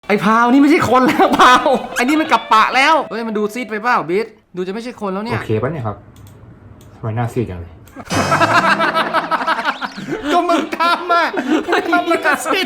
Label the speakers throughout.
Speaker 1: ไอ้พาวนี่ไม่ใช่คนแล้วพาวไอ้นี่มันกลับปะแล้วเฮ้ยมันดูซีดไปเปล่าบิ๊ดดูจะไม่ใช่คนแล้วเนี่ย
Speaker 2: โอเคปะเนี่ยครับทำไมหน้าซีดจังเลย
Speaker 3: ก็มึงทำอ่ะมึงทำมันก็สิ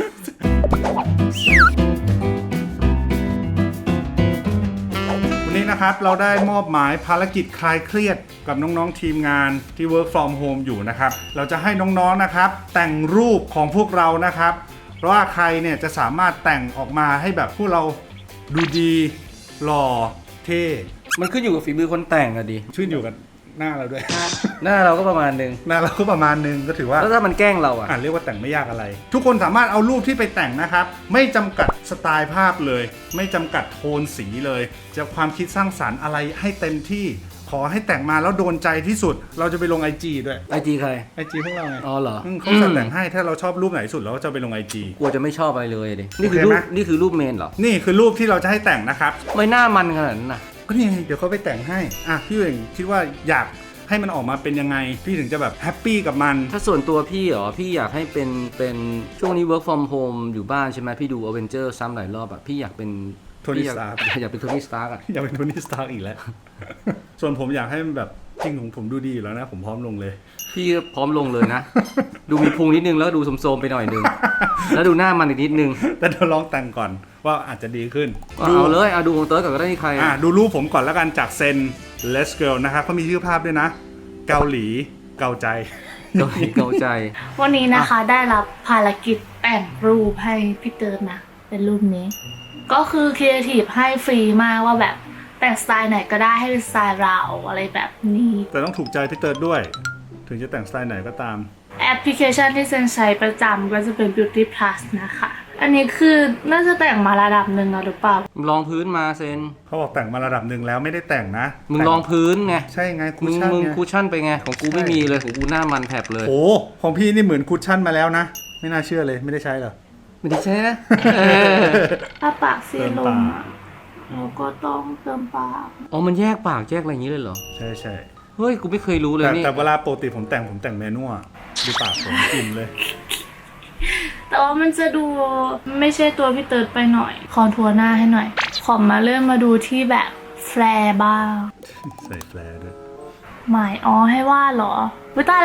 Speaker 3: วันนี้นะครับเราได้มอบหมายภารกิจคลายเครียดกับน้องๆทีมงานที่ work from home อยู่นะครับเราจะให้น้องๆนะครับแต่งรูปของพวกเรานะครับเพราะว่าใครเนี่ยจะสามารถแต่งออกมาให้แบบพวกเราดูดีหล่อเท่
Speaker 1: มันขึ้นอยู่กับฝีมือคนแต่งอะดิ
Speaker 3: ชื่นอยู่กับหน้าเราด้วย
Speaker 1: หน้าเราก็ประมาณนึง
Speaker 3: หน้าเราก็ประมาณนึงก็ถือว่า
Speaker 1: แล้วถ้ามันแกล้งเราอะ
Speaker 3: เรียกว่าแต่งไม่ยากอะไร ทุกคนสามารถเอารูปที่ไปแต่งนะครับไม่จำกัดสไตล์ภาพเลย ไม่จำกัดโทนสีเลย จะความคิดสร้างสรรค์อะไรให้เต็มที่ขอให้แต่งมาแล้วโดนใจที่สุด เราจะไปลง IG ด้วย
Speaker 1: ไอจีใคร
Speaker 3: IG พวกเราไง
Speaker 1: อ๋อเหรอ
Speaker 3: เขาจะแต่งให้ถ้าเราชอบรูปไหนสุดเราก็จะไปลง IG
Speaker 1: กลัวจะไม่ชอบอะไรเลยดินี่คือ
Speaker 3: โอเค
Speaker 1: รู
Speaker 3: ไหม
Speaker 1: ปนี่คือรูปเมนเหรอ
Speaker 3: นี่คือรูปที่เราจะให้แต่งนะครับ
Speaker 1: ไม่หน้ามันขนาดนั้นนะ
Speaker 3: ก็นี่ไงเดี๋ยวเขาไปแต่งให้อ่ะพี่เองคิดว่าอยากให้มันออกมาเป็นยังไงพี่ถึงจะแบบแฮปปี้กับมัน
Speaker 1: ถ้าส่วนตัวพี่เหรอพี่อยากให้เป็นช่วงนี้ work from home อยู่บ้านใช่ไหมพี่ดู Avenger ซ้ำหลายรอบอะพี่อยากเป็น
Speaker 3: Tony
Speaker 1: พี่อยาก
Speaker 3: Stark
Speaker 1: อยากเป็นโทนี่สตาร์กอะ
Speaker 3: อยากเป็นโทนี่สตาร์กอีกแล้ว ส่วนผมอยากให้มันแบบจริงของผมดูดีอยู่แล้วนะ ผมพร้อมลงเลย
Speaker 1: พี่พร้อมลงเลยนะ ดูมีพุงนิดนึงแล้วดูโสมๆไปหน่อยนึง แล้วดูหน้ามันอีกนิดนึง
Speaker 3: แต่เดี๋ยวลองแต่งก่อนว่าอาจจะดีขึ้น
Speaker 1: เอาเลยเอาดูของเติร์ดก่อนก็ได้นี่ใคร
Speaker 3: ดูรูปผมก่อนแล้วกันจากเซน Let's Girl นะครับเขามีชื่อภาพด้วยนะ เกาหลีเกาใจ
Speaker 1: เกาใจ
Speaker 4: วันนี้นะคะได้รับภารกิจแต่งรูปให้พี่เติร์ดนะ เป็นรูปนี้ ก็คือครีเอทีฟให้ฟรีมากว่าแบบแต่งสไตล์ไหนก็ได้ให้เป็นสไตล์เราอะไรแบบนี้
Speaker 3: แต่ต้องถูกใจพี่เติร์ดด้วย ถึงจะแต่งสไตล์ไหนก็ตาม
Speaker 4: แอปพลิเคชันที่เซนใช้ประจำก็จะเป็น Beauty Plus นะคะ อันนี้คือน่าจะแต่งมาระดับหนึ่งแล้วหรือเปล่า
Speaker 1: มึงลองพื้นมาเซน
Speaker 3: เขาบอกแต่งมาระดับหนึ่งแล้วไม่ได้แต่งนะ
Speaker 1: มึงลองพื้นไง
Speaker 3: ใช่ไงคุ
Speaker 1: มึ
Speaker 3: ช
Speaker 1: ง
Speaker 3: ชั่น
Speaker 1: มึง
Speaker 3: ไง
Speaker 1: คูชั่นไปไงของกูไม่มีเลยของกูหน้ามันแผลบเลย
Speaker 3: โอ้ของพี่นี่เหมือนคุชชั่นมาแล้วนะ ไม่น่าเชื่อเลยไม่ได้ใช้เหรอ
Speaker 1: ไม่ได้ใช่นะ
Speaker 4: ถ้าปากซีลงอ่ะเราก็ต้องเติมปาก
Speaker 1: อ๋อมันแยกปากแยกอะไรอย่างนี้เลยเหรอ
Speaker 3: ใช่ใช่
Speaker 1: เฮ้ยกูไม่เคยรู้เลยนี่
Speaker 3: แต่เวลาปกติผมแต่งแมนนวลดูปากผมอิ่มเลย
Speaker 4: แต่ว่ามันจะดูไม่ใช่ตัวพี่เติร์ดไปหน่อยคอนทัวร์หน้าให้หน่อย ขอมาเริ่มมาดูที่แบบแฟร์บ้าง
Speaker 3: ใส่แฟลร์ด้วย
Speaker 4: หมายอ๋อให้วาดเหรอวิตายละ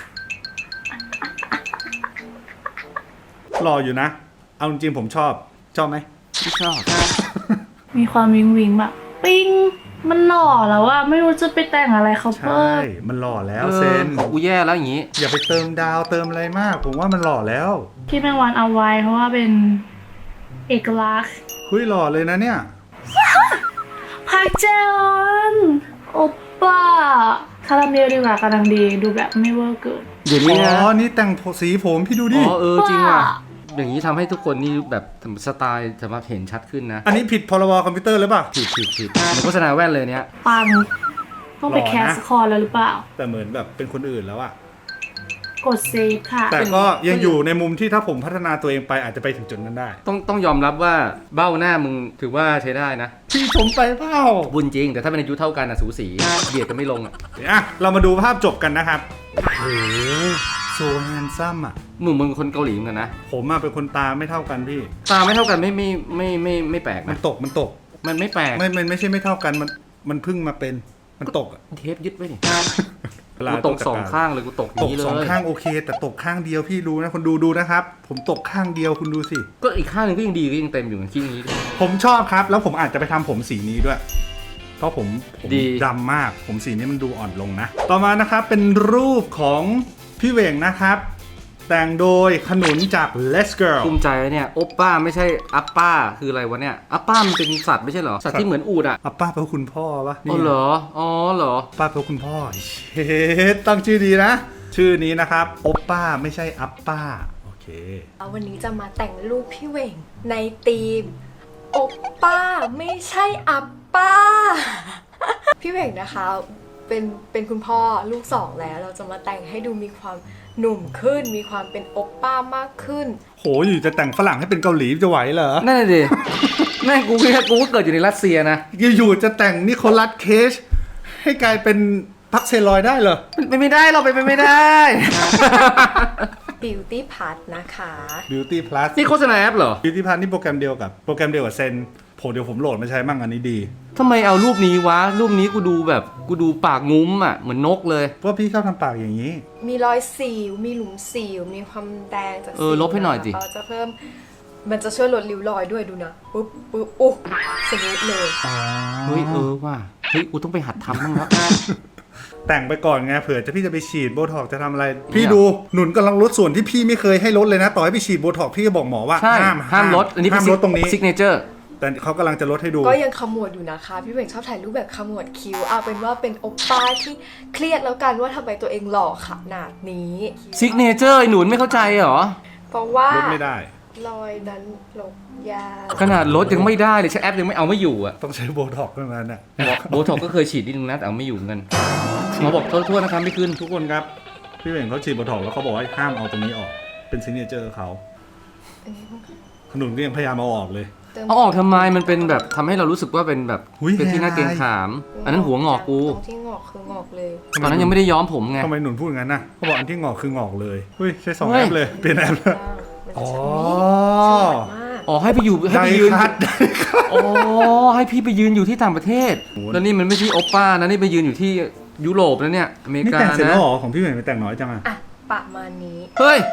Speaker 3: รออยู่นะ เอาจริงๆผมชอบไหม
Speaker 1: ไม่ชอบ
Speaker 4: มีความวิงวิงแบบปิ้งมันหล่อแล้วอะไม่รู้จะไปแต่งอะไรเขา
Speaker 3: ใช่
Speaker 4: เพิ่ม
Speaker 3: มันหล่อแล้ว
Speaker 1: เอ
Speaker 3: เซ
Speaker 1: อน ของกูแย่แล้วอย่างนี้
Speaker 3: อย่าไปเติมดาวเติมอะไรมาก ผมว่ามันหล่อแล้ว
Speaker 4: พี่แมงวันเอาไว้เพราะว่าเป็นเอกลักษณ์
Speaker 3: เฮ้ยหล่อเลยนะเนี่ย
Speaker 4: พักเจอนโอปป้าคาราเมลดีกว่ากำลังดีดูแบบไม่เวอร์เกิน
Speaker 1: เดี๋ยว
Speaker 3: อ๋
Speaker 1: นี้นะ
Speaker 3: อ นี่แต่งสีผมพี่ดูดิ
Speaker 1: อ๋อจริงว่ะ
Speaker 4: ว่า
Speaker 1: อย่างนี้ทำให้ทุกคนนี่แบบสไตล์สามารถเห็นชัดขึ้นนะ
Speaker 3: อันนี้ผิดพรบคอมพิวเตอร์หรือเปล่า
Speaker 1: ผิดเหมือนโฆษณาแว่นเลยเนี้ย
Speaker 4: ปังต้องไป
Speaker 3: หล่อนะ
Speaker 4: แคสคอร์แล้วหรือเปล่า
Speaker 3: แต่เหมือนแบบเป็นคนอื่นแล้วอะ
Speaker 4: กดเซฟค่ะ
Speaker 3: แต่ก็ยังอยู่ในมุมที่ถ้าผมพัฒนาตัวเองไปอาจจะไปถึงจุดนั้นได้
Speaker 1: ต้องยอมรับว่าเบ้าหน้ามึงถือว่าใช้ได้นะ
Speaker 3: พี่ชมไปเปล่า
Speaker 1: บุญจริง แต่ถ้าเป็นอายุเท่ากันอะสูสีเบียดกันไม่ลงอะ
Speaker 3: อ่ะเรามาดูภาพจบกันนะครับโอ้โหโซแฮนซัมอะ
Speaker 1: มึงคนเกาหลีเหมือนกันนะ
Speaker 3: ผมอะเป็นคนตาไม่เท่ากันพี่
Speaker 1: ตาไม่เท่ากันไม่แปลก
Speaker 3: มัน
Speaker 1: นะ
Speaker 3: ตก
Speaker 1: มันไม่แปลก
Speaker 3: มันไม่ใช่ไม่เท่ากันมันเพิ่งมาเป็นมันตกอะ
Speaker 1: เทปยึดไว้ดิ
Speaker 3: เวลา
Speaker 1: กูตกสองข้างเลยกูตกอ
Speaker 3: ต
Speaker 1: ย่าก งนี้เล
Speaker 3: สอง
Speaker 1: ย
Speaker 3: ข้างโอเค แต่ตกข้างเดียวพี่รู้นะคนดูนะครับ ผมตกข้างเดียวคุณดูสิ
Speaker 1: ก็อีกข้างหนึงก็ยังดีก็ยังเต็มอยู่คิดอย่างนี้
Speaker 3: ผมชอบครับ แล้วผมอาจจะไปทำผมสีนี้ด้วย เพราะผม
Speaker 1: ดี
Speaker 3: ดำมาก ผมสีนี้มันดูอ่อนลงนะ ต่อมานะครับเป็นรูปของพี่เหวงนะครับ แต่งโดยขนุนจาก Let's Girl
Speaker 1: ภูมิใจนะเนี่ยโอปป้าไม่ใช่อัปป้าคืออะไรวะเนี่ยอัปป้ามันเป็นสัตว์ไม่ใช่เหรอสัตว์ที่เหมือนอูฐอ่ะ
Speaker 3: อ่ะป้าเป็นคุณพ่อปะ
Speaker 1: อ๋อเหรออ๋อเหรอ
Speaker 3: ป้าเป็นคุณพ่อเฮ้ตั้งชื่อดีนะ ชื่อนี้นะครับโอปป้าไม่ใช่อัปป้าโอเค
Speaker 5: วันนี้จะมาแต่งรูปพี่เหว่งในธีมโอปป้าไม่ใช่อัปป้า พี่เหว่งนะคะเป็นคุณพ่อลูกสองแล้วเราจะมาแต่งให้ดูมีความหนุ่มขึ้น มีความเป็นโอปป้ามากขึ้น
Speaker 3: โหอยู่จะแต่งฝรั่งให้เป็นเกาหลีจะไหวเหรอ
Speaker 1: นั่นเลยดิ แม่งกูก็เกิดอยู่ในรัสเซียนะ
Speaker 3: อยู่ๆจะแต่งนิโคลัสเคจให้กลายเป็นพักเซลอยได้เหรอ
Speaker 1: เป็นไปไม่ได้เราเป็นไปไม่ได้
Speaker 5: Beauty Plus นะคะ
Speaker 3: Beauty Plus
Speaker 1: นี่โฆษณาแอปเหรอ
Speaker 3: Beauty Plus นี่โปรแกรมเดียวกับเซนเดี๋ยวผมโหลดมาใช้มั่งอันนี้ดี
Speaker 1: ทำไมเอารูปนี้วะ รูปนี้กูดูปากงุ้มอ่ะ เหมือนนกเลย
Speaker 3: เพราะพี่ชอบทำปากอย่างนี้
Speaker 5: มีรอยสิว มีหลุมสิว มีความแดงจากสิว
Speaker 1: ลบให้หน่อยสิ
Speaker 5: เราจะเพิ่ม มันจะช่วยลดริ้วรอยด้วยดูนะ ปุ๊บโอ้สมูทเลย
Speaker 1: เฮ้ยว่ะเฮ้ยกูต้องไปหัดทำบ้างแล้ว
Speaker 3: แต่งไปก่อนไงเผื่อพี่จะไปฉีดโบท็อกซ์จะทำอะไร พี่ดูหนุนกำลังลดส่วนที่พี่ไม่เคยให้ลดเลยนะ ต่อให้ไปฉีดโบท็อกซ์พี่ก็บอกหมอว่า
Speaker 1: ใช่ ห้ามลด อันนี้
Speaker 3: ห้ามลดตรงนี้
Speaker 1: ซิกเนเจอร์
Speaker 3: แต่เขากำลังจะลดให้ดู
Speaker 5: ก็ยังขมวดอยู่นะคะ พี่เบ่งชอบถ่ายรูปแบบขมวดคิ้วเอาเป็นว่าเป็นโอปป้าที่เครียดแล้วกันว่าทำไมตัวเองหล่อขนาดนี้
Speaker 1: ซิกเนเจอร์ไอ้หนุนไม่เข้าใจเหรอ
Speaker 5: เพราะว่า
Speaker 3: ลดไม่ได้
Speaker 5: รอยนั้นลบยาก
Speaker 1: ขนาดลดยังไม่ได้เลยใช้แอปยังไม่เอาไม่อยู่อ่ะ
Speaker 3: ต้องใช้โบท็อกซ์เท่านั้นน่ะ
Speaker 1: โบท็อกก็เคยฉีดนิดนึงนะแต่เอาไม่อยู่เหมือนกันหมอบอกโทษนะครับไม่ขึ้น
Speaker 3: ทุกคนครับพี่เหว่งเขาฉีดโบท็อกซ์แล้วเขาบอกว่าห้ามเอาตรงนี้ออกเป็นซิกเนเจอร์เขาขนุนก็ยังพยายามเอาออกเลย
Speaker 1: เอาออกทำไมมันเป็นแบบทำให้เรารู้สึกว่าเป็นแบบ
Speaker 3: อุ๊ย
Speaker 1: เป็นที่น่าเกรงขาม อันนั้นหัวงอกกู
Speaker 5: ตรงที่งอกคืองอกเลย
Speaker 1: ตอนนั้นยังไม่ได้ย้อมผมไง
Speaker 3: ทำไมหนุนพูดงั้นน่ะเขาบอกอันที่งอกคืองอกเลยเฮ้ยใช้สอง
Speaker 1: เฮ้
Speaker 3: แอย ปเลยเปลี่ยนแอปเลย
Speaker 5: อ๋อ มาก
Speaker 1: อ๋อให้ไปอยู่ให้
Speaker 3: ได้
Speaker 1: ไปยืน
Speaker 3: คัด
Speaker 1: อ๋อให้พี่ไปยืนอยู่ที่ต่างประเทศ แล้วนี่มันไม่ใช่โอป้านะนี่ไปยืนอยู่ที่ยุโรปแล้วเนี่ยอเมริ
Speaker 3: นี่
Speaker 1: กา
Speaker 3: แต่งเสร็จแล้
Speaker 1: นะ
Speaker 3: วเหรอของพี่เหว่งไปแต่งน้อยจังอะ
Speaker 5: อ่ะประมาณนี้
Speaker 1: เฮ้ย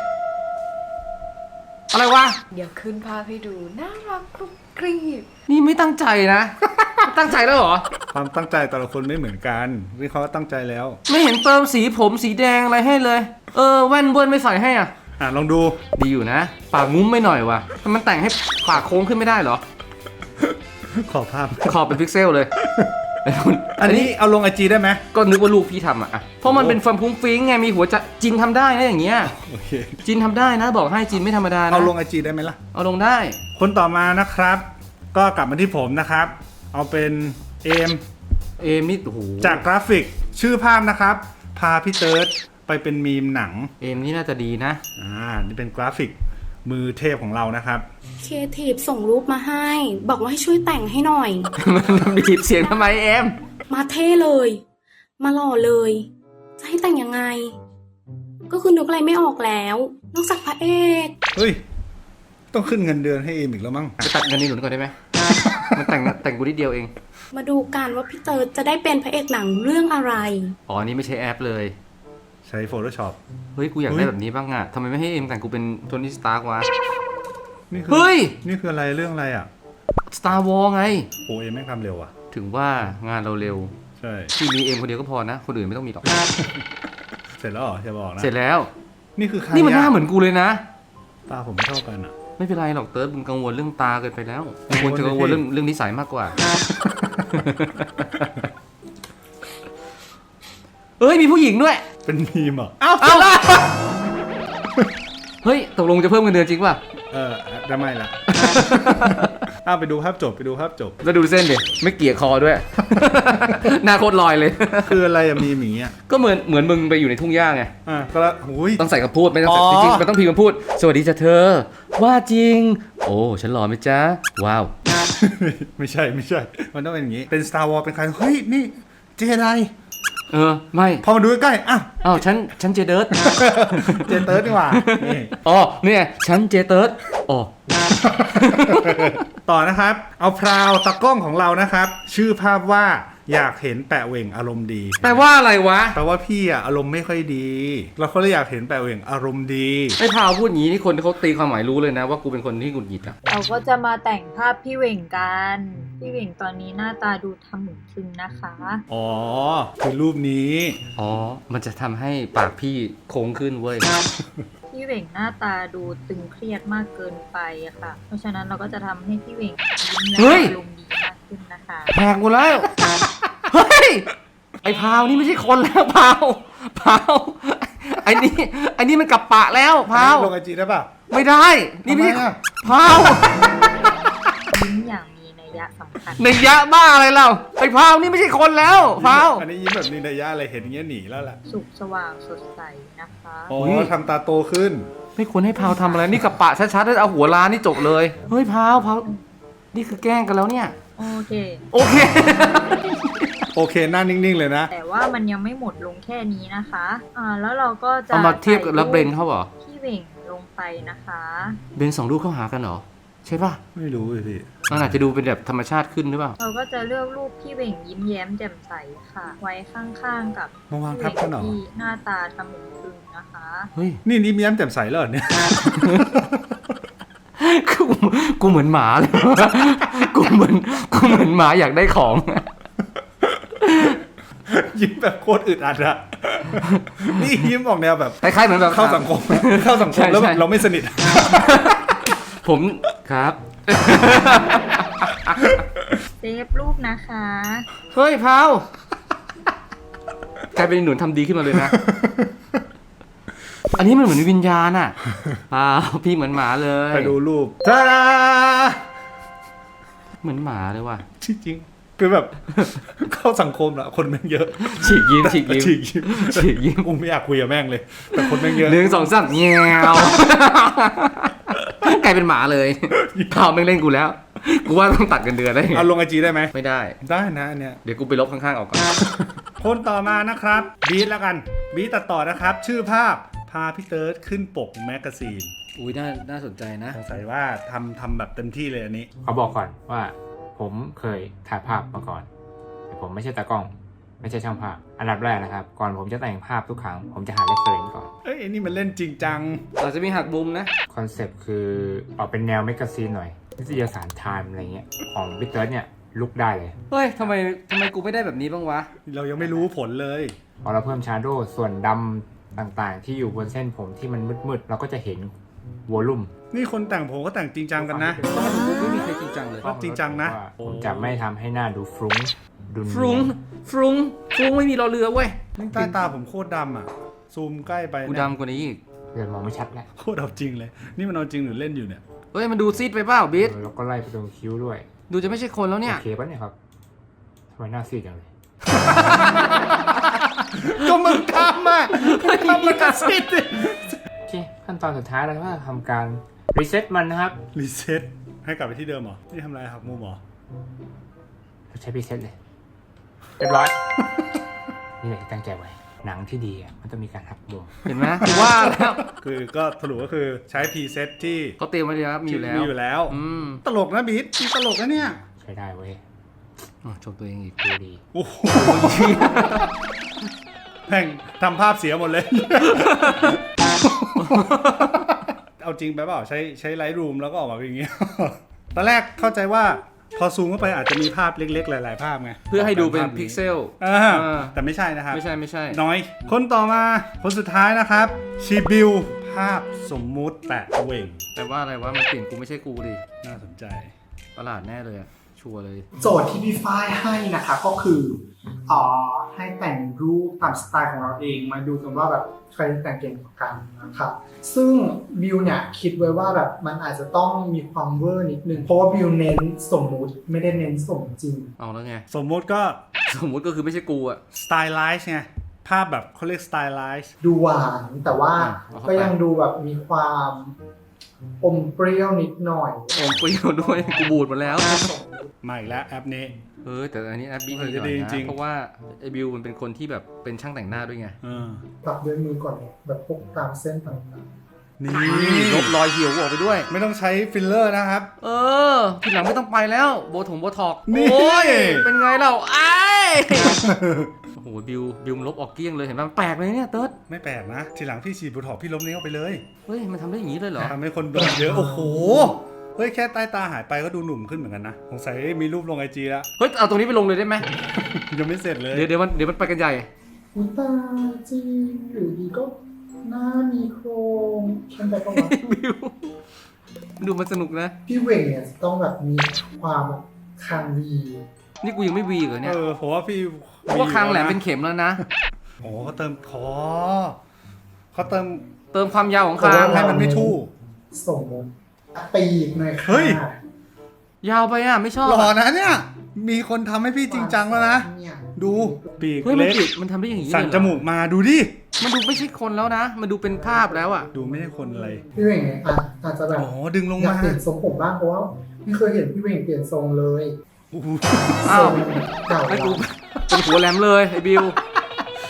Speaker 1: อะไรวะ
Speaker 5: เดี๋ยวขึ้นภาพให้ดู น่ารักกรุบกรีบ
Speaker 1: นี่ไม่ตั้งใจนะ ตั้งใจแล้วเหรอ
Speaker 3: ความตั้งใจแต่ละคนไม่เหมือนกันนี่เขาก็ตั้งใจแล้ว
Speaker 1: ไม่เห็นเติมสีผมสีแดงอะไรให้เลย แว่นเบิ้ลไม่ใส่ให้อ่ะ
Speaker 3: ลองดู
Speaker 1: ดีอยู่นะ ปากงุ้มไม่หน่อยว่ะทำไมมันแต่งให้ปากโค้งขึ้นไม่ได้เหรอ
Speaker 3: ขอภาพ
Speaker 1: ขอบเป็นพิกเซลเลย
Speaker 3: อันนี้เอาลงไอจีได้ไหม
Speaker 1: ก็นึกว่าลูกพี่ทำอ่ะ เพราะมันเป็นฟันฟุ้งฟิ้งไง มีหัวใจจินทำได้นะอย่างเงี้ย
Speaker 3: โอเค
Speaker 1: จินทำได้นะ บอกให้จินไม่ธรรมดานะ
Speaker 3: เอาลงไอจีได้ไหมล่ะ
Speaker 1: เอาลงได้
Speaker 3: คนต่อมานะครับ ก็กลับมาที่ผมนะครับ เอาเป็นเอม
Speaker 1: เอมนี่โอ้โห
Speaker 3: จากกราฟิกชื่อภาพนะครับ พาพี่เติร์ดไปเป็นมีมหนัง
Speaker 1: เอมนี่น่าจะดีนะ
Speaker 3: นี่เป็นกราฟิกมือเทพของเรานะครับ
Speaker 6: ครีเอทีฟส่งรูปมาให้ บอกว่าให้ช่วยแต่งให้หน่อย
Speaker 1: มันบีบเสียงทำไมเอม
Speaker 6: มาเท่เลย มาหล่อเลย จะให้แต่งยังไง ก็คือนึกอะไรไม่ออกแล้ว นอกจากพระเอก
Speaker 3: เฮ้ย ต้องขึ้นเงินเดือนให้เอมอีกแล้วมั้ง
Speaker 1: จะตัดเงินนี่หนุนก่อนได้ไหม มันแต่งกูนิดเดียวเอง
Speaker 6: มาดูกันว่าพี่เติร์ดจะได้เป็นพระเอกหนังเรื่องอะไร
Speaker 1: อ๋อ นี่ไม่ใช่แอปเลย
Speaker 3: ใช้ Photoshop
Speaker 1: เฮ้ย กูอยาก
Speaker 3: เฮ้
Speaker 1: ได้
Speaker 3: ย
Speaker 1: แบบนี้บ้างอ่ะทำไมไม่ให้เอ็มแต่งกูเป็นโทนี่สตาร์กวะ
Speaker 3: นี่คื
Speaker 1: เฮ้ย
Speaker 3: นี่คืออะไรเรื่องอะไรอ่ะ
Speaker 1: Star Wars ไง
Speaker 3: โอ้เอมแม่งทำเร็วอ่ะ
Speaker 1: ถึงว่างานเราเร็ว
Speaker 3: ใช่
Speaker 1: ที่มีเอ็มคนเดียวก็พอนะ คนอื่นไม่ต้องมีหรอก
Speaker 3: เสร็จแล้วเหรอจะบอกนะ
Speaker 1: เสร็จแล้ว
Speaker 3: นี่คือใคร
Speaker 1: นี่มันหน้า
Speaker 3: อะ
Speaker 1: เหมือนกูเลยนะ
Speaker 3: ตาผมไม่เท่ากันอ่ะ
Speaker 1: ไม่เป็นไรหรอกเติร์ดมึงกังวลเรื่องตาเกินไปแล้ว
Speaker 3: กังวล
Speaker 1: ควรจะกังวล
Speaker 3: เลยพี่
Speaker 1: เรื่องนิสัยมากกว่า เอ้ยมีผู้หญิงด้วย
Speaker 3: เป็นมีมเหรอ
Speaker 1: เอ้าเฮ้ยตกลงจะเพิ่มเงินเดือนจริงป่ะ
Speaker 3: ได้ไม่ละ ไปดูภาพจบไปดูภาพจบ
Speaker 1: แล้วดูเส้นดิไม่เกี่ยคอด้วย หน้าโคตรลอยเลย
Speaker 3: คืออะไรอะมีมอย่างเงี้ย
Speaker 1: ก็เหมือนมึงไปอยู่ในทุ่งหญ้าไง
Speaker 3: ก็ละหุย
Speaker 1: ต้องใส่คำพูดไม่ต้องใส่
Speaker 3: อ๋อ
Speaker 1: จริงๆมันต้องพิมพ์คำพูด สวัสดีจ้ะเธอ ว่าจริง โอ้ฉันหล่อไหมจ๊ะ ว้าว
Speaker 3: ไม่ใช่ มันต้องเป็นอย่างงี้ เป็น Star Wars เป็นใคร เฮ้ย นี่เจได
Speaker 1: ไม่
Speaker 3: พอมาดูใกล้ๆอ้าว
Speaker 1: อ้าวฉันเจเดิร์ด
Speaker 3: เจเติร์ดนี่หว่านี่
Speaker 1: อ๋อเนี่ยฉันเจเติร์ดอ๋อ
Speaker 3: ต่อนะครับ เอาพราวตากล้องของเรานะครับ ชื่อภาพว่าอยากเห็นแปะเหว่งอารมณ์ดี
Speaker 1: แปลว่าอะไรวะ
Speaker 3: แปลว่าพี่อะอารมณ์ไม่ค่อยดีเราก็เลยอยากเห็นแปะเหว่งอารมณ์ดี
Speaker 1: ไอ้พาวพูดอย่างนี้นี่คนเขาตีความหมายรู้เลยนะว่ากูเป็นคนที่หงุดหงิดอะ
Speaker 7: เราก็จะมาแต่งภาพพี่เหว่งกัน พี่เหว่งตอนนี้หน้าตาดูทำหมุนทึงนะคะ
Speaker 3: อ๋อ คือรูปนี้
Speaker 1: อ๋อ มันจะทำให้ปากพี่โค้งขึ้นเว้ย
Speaker 7: พี่เหว่งหน้าตาดูตึงเครียดมากเกินไปอะค่ะ เพราะฉะนั้นเราก็จะทำให้พี่เหว่งยิ้มและ
Speaker 1: เฮ้ย
Speaker 7: อารมณ์ดีมากขึ้นนะคะ
Speaker 1: แหกหมดแล้ว เฮ้ย ไอ้พาวนี่ไม่ใช่คนแล้วพาวไอ้นี่มันกลับปะแล้วพาว
Speaker 3: ลงไอจีได้ป่ะ
Speaker 1: ไม่ได้ นี่ไม่ใช่
Speaker 3: ทำไมอะ
Speaker 1: พาว
Speaker 7: ยิ้มอย่างมีนัยยะสำคัญ
Speaker 1: ในยะบ้าอะไรเราไอ้พาวนี่ไม่ใช่คนแล้วพาว
Speaker 3: อันนี้ยิ้มแบบมีนัยยะอะไรเห็นอย่างเงี้ยหนีแล้วแหละ
Speaker 7: สุขสว่างสดใสนะคะ
Speaker 3: อ๋อทำตาโตขึ้น
Speaker 1: ไม่ควรให้พาวทำอะไร นี่กลับปะชัดๆแล้วเอาหัวล้านนี่จบเลย เฮ้ยพาวนี่คือแกล้งกันแล้วเนี่ย
Speaker 7: โอเค
Speaker 1: โอเค
Speaker 3: โอเคหน้านิ่งๆเลยนะ
Speaker 7: แต่ว่ามันยังไม่หมดลงแค่นี้นะคะ แล้วเราก็จะ
Speaker 1: เอามาเทียบกับรับเบรนเขาเหรอ
Speaker 7: พี่พี่เหว่งลงไปนะคะ
Speaker 1: เบน2 รูปเข้าหากันเหรอ ใช่ป่ะ
Speaker 3: ไม่รู้เลยพี่
Speaker 1: มันอาจจะดูเป็นแบบธรรมชาติขึ้นหรือเปล่า
Speaker 7: เราก็จะเลือกรูปพี่เหว่งยิ้มแย้มแจ่มใสค่ะ ไว้ข้างๆกับ
Speaker 3: มาวาง
Speaker 7: พี่
Speaker 3: ทับ
Speaker 7: เหว่ง
Speaker 3: กันเหรอ
Speaker 7: ที่หน้าตาทะมึงตึงนะคะ
Speaker 1: เฮ้ย
Speaker 3: นี่ยิ้มแย้มแจ่มใสแล้วเหรอเนี่ย
Speaker 1: กูเหมือนหมาเลย กูเหมือนหมาอยากได้ของ
Speaker 3: ยิ้มแบบโคตรอึดอัดอะนี่ยิ้มออกแนวแบบ
Speaker 1: คล้ายๆเหมือนแบบ
Speaker 3: เข้าสังคมเข้าสังคมแล้วแบบ
Speaker 1: ใช่
Speaker 3: เราไม่สนิท
Speaker 1: ผมครับ
Speaker 7: เซฟรูปนะคะ
Speaker 1: เฮ้ยพาวกลายเป็นหนุนทำดีขึ้นมาเลยนะ อันนี้มันเหมือนวิญญาณอ่ะพาวพี่เหมือนหมาเลย
Speaker 3: ไปดูรูปจ้า
Speaker 1: เหมือนหมาเลยว่ะ
Speaker 3: จริงๆคือแบบ เข้าสังคมอะคนแม่งเยอะ
Speaker 1: ฉีกยิ้มฉีกยิ้ม
Speaker 3: ฉีกยิ้ม
Speaker 1: ฉีกยิ้ม
Speaker 3: กูไม่อยากคุยกับแม่งเลย แต่คนแม่งเยอะ
Speaker 1: 1 2 3เงี้ยวกลายเป็นหมาเลยพาวไม่งเล่นกูแล้ว กูว่าต้องตัดกันเดือนได้ไง
Speaker 3: เอาลงไอจีได้ไหม
Speaker 1: ไม่ได้
Speaker 3: ได้นะอันเนี้ย
Speaker 1: เดี๋ยวกูไปลบข้างๆออกก่อน
Speaker 3: คนต่อมานะครับบีทแล้วกันบีทตัดต่อนะครับ ชื่อภาพพาพี่เติร์ดขึ้นปกแมกกาซีน
Speaker 1: อุ้ยน่าสนใจนะ
Speaker 3: สงสัยว่าทำแบบเต็มที่เลยอันนี้
Speaker 2: เขาบอกก่อนว่าผมเคยถ่ายภาพมาก่อน แต่ผมไม่ใช่ตากล้อง ไม่ใช่ช่างภาพ อันดับแรกนะครับ ก่อนผมจะแต่งภาพทุกครั้ง ผมจะหาเรฟเฟรนซ์ก่อน
Speaker 3: เอ้ยอันนี้มันเล่นจริงจัง
Speaker 1: เราจะมีหักมุมนะ
Speaker 2: คอนเซปต์คือออกเป็นแนวแมกกาซีนหน่อยนิตยสารไทม์อะไรเงี้ย ของพี่เติร์ดเนี่ยลุกได้เลย
Speaker 1: เฮ้ยทำไมกูไม่ได้แบบนี้บ้างวะ
Speaker 3: เรายังไม่รู้ผลเลย
Speaker 2: พอเราเพิ่มชาร์โดว์ส่วนดำต่างๆ ที่อยู่บนเส้นผมที่มันมืดๆ เราก็จะเห็นวอลลุ่ม
Speaker 3: นี่คนแต่งผมก็แต่งจริงจังกันนะ
Speaker 1: ไม่มีใครจริงจังเลย
Speaker 3: ก็จริงจังนะ
Speaker 2: ผมจะไม่ทำให้หน้าดูฟรุ้งดู
Speaker 1: ฟรุ้ง
Speaker 2: เนียน
Speaker 1: ฟรุ้งไม่มีรอเรือเว้ย
Speaker 3: นี่ใต้ตาผมโคตรดำอ่ะ ซูมใกล้ไป
Speaker 1: กู
Speaker 3: เนี่ย
Speaker 1: ดำกว่านี้อีก
Speaker 2: เดี๋ยวมองไม่ชัดแล้ว
Speaker 3: โคตรเอาจริงเลย นี่มันเอาจริงหรือเล่นอยู่เนี่ย
Speaker 1: เฮ้ยมันดูซีดไปเปล่าบิ๊ด
Speaker 2: แล้วก็ไล่ไปตรงคิ้วด้วย
Speaker 1: ดูจะไม่ใช่คนแล้วเนี่ย
Speaker 2: โอเคปะเนี่ยครับทำไมหน้าซีดจังเลย
Speaker 3: ก็มึงทำอ่ะทำมันก็สิดิ
Speaker 2: โอเค ขั้นตอนสุดท้ายเราก็ทำการรีเซ็ตมันนะครับ
Speaker 3: รีเซ็ตให้กลับไปที่เดิมเหรอ นี่ทำอะไรหักมุมเหรอ
Speaker 2: ใช้รีเซ็ตเลย เรียบร้อย นี่แหละที่ตั้งใจไว้ หนังที่ดีอ่ะมันต้องมีการหักมุม
Speaker 1: เห็นไหมกูว่าแล้ว
Speaker 3: คือก็สรุปก็คือใช้พรีเซ็ตที่
Speaker 1: เขาเตรียมไว้เลยครับมีอยู่แล้ว
Speaker 3: มีอยู่แล้ว
Speaker 1: อืม
Speaker 3: ตลกนะบิ๊ดตลกนะเนี่ย
Speaker 2: ใช้ได้เว้ย
Speaker 1: อ๋อชมตัวเองอีก
Speaker 2: ดูดี
Speaker 3: โอ้โหแม่งทำภาพเสียหมดเลย เอาจริงไปเปล่าใช้ไลท์รูมแล้วก็ออกมาเป็นอย่างเงี้ย ตอนแรกเข้าใจว่าพอซูมเข้าไปอาจจะมีภาพเล็กๆ หลายๆภาพไง
Speaker 1: เพื่อให้ดูเป็นพิกเซล
Speaker 3: แต่ไม่ใช่นะครับ
Speaker 1: ไม่ใช่
Speaker 3: น้อย คนต่อมาคนสุดท้ายนะครับชีบิวภาพสมมุติแปะเหว่ง
Speaker 1: แต่ว่าอะไรวะมันเปลี่ยนกูไม่ใช่กูดิ
Speaker 3: น่าสนใจ
Speaker 1: ประหลาดแน่เลยอะชัวร์เลย
Speaker 8: โจทย์ที่พี่ฝ้ายให้นะคะก็คือให้แต่งรูปตามสไตล์ของเราเองมาดูกันว่าแบบใครแต่งเก่งกว่ากันนะครับซึ่งบิวเนี่ยคิดไว้ว่าแบบมันอาจจะต้องมีความเวอร์นิดนึงเพราะว่าบิวเน้นสมมุติไม่ได้เน้นสมจริง
Speaker 1: เอาแล้วไง
Speaker 3: สมมุติก็
Speaker 1: สมมุติก็คือไม่ใช่กูอะ
Speaker 3: สไตล์ไลซ์ไงภาพแบบเขาเรียกสไตล์ไลซ์
Speaker 8: ดูหวานแต่ว่า
Speaker 1: เอาเข้าไป
Speaker 8: ก็ยังดูแบบมีความอมเปรี้ยวนิดหน่อย
Speaker 1: อมเปรี้ยวด้วย กูบูดหมดแล้ว
Speaker 3: มาอีกแล้วแอปนี้
Speaker 1: แต่อันนี้แอปบี้
Speaker 3: เอ
Speaker 1: ดี
Speaker 3: อ
Speaker 1: หน่อย
Speaker 3: ดี
Speaker 1: นะ
Speaker 3: จริง
Speaker 1: เพราะว่าไอ้บิวมันเป็นคนที่แบบเป็นช่างแต่งหน้าด้วยไง
Speaker 8: ปรับด้วยมือก่อนแบบพวกตามเส้นต่าง
Speaker 3: นี่
Speaker 1: ลบรอยเหี่ยวออกไปด้วย
Speaker 3: ไม่ต้องใช้ฟิลเลอร์นะครับ
Speaker 1: ทีหลังไม่ต้องไปแล้ว โบท็อก
Speaker 3: นี่
Speaker 1: โอ้ย เป็นไงเราไอ้โอ้โหบิวมันลบออกเกลี้ยงเลยเห็นไหมมันแปลกเลยเนี่ยเติร์ด
Speaker 3: ไม่แปลกนะ ทีหลังพี่ฉีดโบท็อกซ์พี่ล้มนี้เข้าไปเลย
Speaker 1: เฮ้ยมันทำได้อย่างนี้เลยเหรอ
Speaker 3: ทำให้คนโดนเยอะ โอ้โห เฮ้ย แค่ใต้ตาหายไปก็ดูหนุ่มขึ้นเหมือนกันนะ สงสัยมีรูปลงไอจีแล้ว
Speaker 1: เฮ้ยเอาตรงนี้ไปลงเลยได้ไหม
Speaker 3: ยังไม่เสร็จเลย
Speaker 1: เดี๋ยวมันไปกันใหญ่
Speaker 8: ๆอุยตายจริงอยู่ดีก็หน้ามีโครงฉันไปก็ว่า
Speaker 1: บิวดูมันสนุกนะ
Speaker 8: พี่เวงเนี่ยจะต้องแบบมีความแบบคางดี
Speaker 1: นี่กูยังไม่วีเหรอเนี่ย
Speaker 3: ผมว่าพี่
Speaker 1: เพราะว่าคางแหลมเป็นเข็มแล้วนะ
Speaker 3: โอ้เขาเติมคอเขาเติม
Speaker 1: เติมความยาวของคาง
Speaker 3: ให้มันไม่ทู่
Speaker 8: สมมติปีกหน่อยค่ะ
Speaker 3: เฮ้ย
Speaker 1: ยาวไปอ่ะไม่ชอบ
Speaker 3: หล่อนะเนี่ย มีคนทำให้พี่จริงจังแล้วนะ
Speaker 8: เนี่ย
Speaker 3: ดูปีก
Speaker 1: เฮ้ยมัน
Speaker 3: เล็ก
Speaker 1: ติดมันทำได้อย่างนี้
Speaker 3: สั่น
Speaker 1: เลยเห
Speaker 3: จ
Speaker 1: รอ
Speaker 3: มูกมาดูดิ
Speaker 1: มันดูไม่ใช่คนแล้วนะ มันดูเป็นภาพแล้วอ่ะ
Speaker 3: ดูไม่ใช่คนอะไร
Speaker 8: พี่เวงเนี่ยอาจจะแบบ
Speaker 3: อ๋อ ดึงลง
Speaker 8: อยาก
Speaker 3: มา
Speaker 8: เปลี่ยนทรงผมบ้างเพราะว่าไม่เคยเห็นพี่เวงเปลี่ยนทรงเลย
Speaker 3: โอ้โห
Speaker 1: อ้าว
Speaker 8: ทรงเก่า
Speaker 1: ไอ้
Speaker 8: แล้
Speaker 1: กู
Speaker 8: ว
Speaker 1: เป็นหัวแหลมเลยไอ้บิว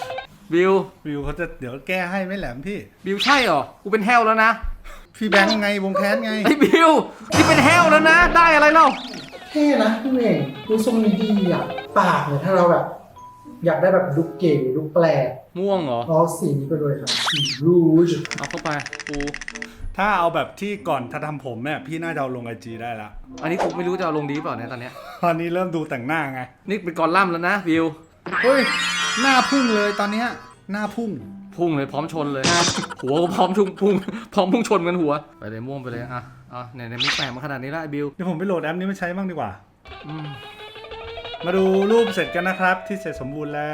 Speaker 1: บิว
Speaker 3: วิวเขาจะเดี๋ยวแก้ให้ไม่แหลมพี่
Speaker 1: บิวใช่เหรอ กูเป็นแฮวแล้วนะ
Speaker 3: พี่แบงค์ไงวงแคสไง
Speaker 1: ไอ้บิวนี่เป็นแฮวแล้วนะ ได้อะไรเล่า
Speaker 8: เท่นะพี่เองดูทรงนี้ดีอ่ะปากเนี่ยถ้าเราแบบ อยากได้แบบลุคเก๋ลุคแปลก
Speaker 1: ม่วงเหรอ
Speaker 8: เอาสีนี้ไปเลยครับสีรูจ
Speaker 1: เอาเข้าไปกู
Speaker 3: ถ้าเอาแบบที่ก่อนถ้าทำผมเนี่ยพี่น่าจะเอาลงไอจีได้ละ
Speaker 1: อันนี้กูไม่รู้จะเอาลงดีเปล่าเนี่ยตอนเนี้ย
Speaker 3: ตอนนี้เริ่มดูแต่งหน้าไง
Speaker 1: นี่เป็นกอลัมน์แล้วนะบิว
Speaker 3: เฮ้ย หน้าพุ่งเลยตอนเนี้ยหน้าพุ่ง
Speaker 1: พุ่งเลยพร้อมชนเลย หัวก็พร้อมชุ่งพุ่งพร้อมพุ่งชนกันหัว ไปเลยม่วงไปเลยอ่ะไหนมึงแปลกมาขนาดนี้ละไอ้บิว
Speaker 3: เดี๋ยวผมไปโหลดแอปนี้มาใช้บ้างดีกว่า
Speaker 1: อืม
Speaker 3: มาดูรูปเสร็จกันนะครับ ที่เสร็จสมบูรณ์แล้ว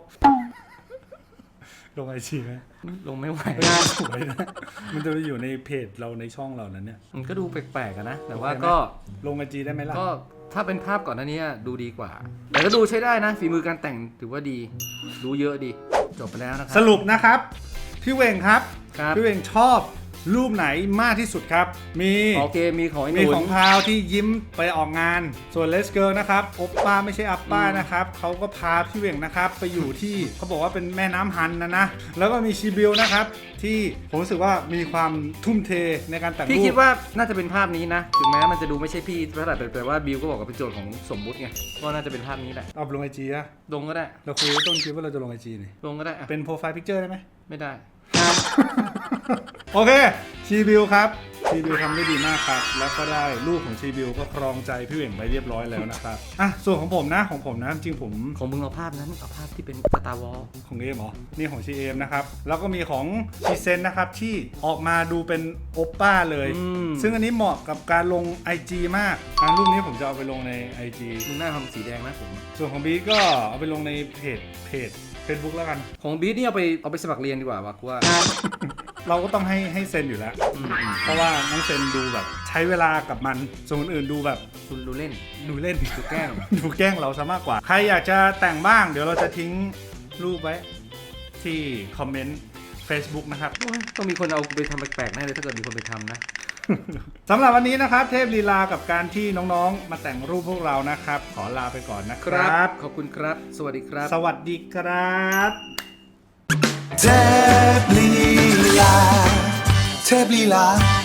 Speaker 3: ลงไอจีไหม
Speaker 1: ลงไม่ไหว
Speaker 3: หน้าสวยนะ มันจะไปอยู่ในเพจเราในช่องเรานั้นเนี่ย
Speaker 1: มันก็ดูแปลกๆอะนะ แต่ว่า
Speaker 3: โอเคไหม
Speaker 1: ก็
Speaker 3: ลงไอจีได้ไหมล่ะ
Speaker 1: ก็ถ้าเป็นภาพก่อนหน้านี้ดูดีกว่า แต่ก็ดูใช้ได้นะ ฝีมือการแต่งถือว่าดี รู้เยอะดี จบไปแล้วนะครั
Speaker 3: สรุปนะครับ พี่เวงครับ
Speaker 1: ครับ
Speaker 3: พี่เวงชอบรูปไหนมากที่สุดครับ มี
Speaker 1: โอเคมีของไอ้ห
Speaker 3: มี
Speaker 1: นุ
Speaker 3: ของพาวที่ยิ้มไปออกงาน ส่วนเลสเกิร์นะครับโอปป้าไม่ใช่อัปป้านะครับเขาก็พาพี่เวงนะครับไปอยู่ที่เขาบอกว่าเป็นแม่น้ำฮันนะ แล้วก็มีชีบิลนะครับที่ผมรู้สึกว่ามีความทุ่มเทในการแต่งรูป
Speaker 1: พี่คิดว่าน่าจะเป็นภาพนี้นะ ถึงแม้มันจะดูไม่ใช่พี่เท่าไหร่แต่ว่าบิวก็บอกว่าเป็นโจทย์ของสมมุติไงก็น่าจะเป็นภาพนี้แหละ
Speaker 3: เอาลงไอจีอะ
Speaker 1: ลงก็ได้
Speaker 3: เราคุยต้นคลิปว่าเราจะลงไอจีนี่
Speaker 1: ลงก็ได้อะ
Speaker 3: เป็นโปรไฟล์พิกเจอร์ได้ไหม
Speaker 1: ไม่ได้
Speaker 3: โอเคชีบิลครับชีบิลทำได้ดีมากครับ แล้วก็ได้รูปของชีบิลก็ครองใจพี่เหว่งไปเรียบร้อยแล้วนะครับอ่ะส่วนของผมนะจริงๆผม
Speaker 1: ของมึงเอาภาพนั้นเอาภาพที่เป็นสตาร์วอล
Speaker 3: ของเอมเหรอนี่ของชีเอมนะครับแล้วก็มีของชีเซนนะครับที่ออกมาดูเป็นโอปป้าเลย ซึ่งอันนี้เหมาะกับการลง IG มากรูปนี้ผมจะเอาไปลงใน IG
Speaker 1: มึงหน้าทำสีแดงนะผม
Speaker 3: ส่วนของบีก็เอาไปลงในเพจFacebook แล้วกัน
Speaker 1: ของบีทนี่เอาไปสมัครเรียนดีกว่าว่ะกูว่า
Speaker 3: เราก็ต้องให้เซนอยู่แล้ว เพราะว่าน้องเซนดูแบบใช้เวลากับมันส่วนคนอื่นดูแบบ
Speaker 1: ดูเล่น
Speaker 3: ดูเล่น
Speaker 1: ดูแกล้ง
Speaker 3: ดูแกล้งเราซะมากกว่า ใครอยากจะแต่งบ้าง เดี๋ยวเราจะทิ้งรูปไว้ที่คอมเมนต์ Facebook นะครับ
Speaker 1: ต้องมีคนเอาไปทำแปลกๆแน่เลยถ้าเกิดมีคนไปทำนะ
Speaker 3: สำหรับวันนี้นะครับ เทพลีลากับการที่น้องๆ มาแต่งรูปพวกเรานะครับ ขอลาไปก่อนนะค
Speaker 1: ค
Speaker 3: รั
Speaker 1: รับ บ ขอบคุณครับ สวัสดีครับ
Speaker 3: สวัสดีครับ
Speaker 9: เทพลีลา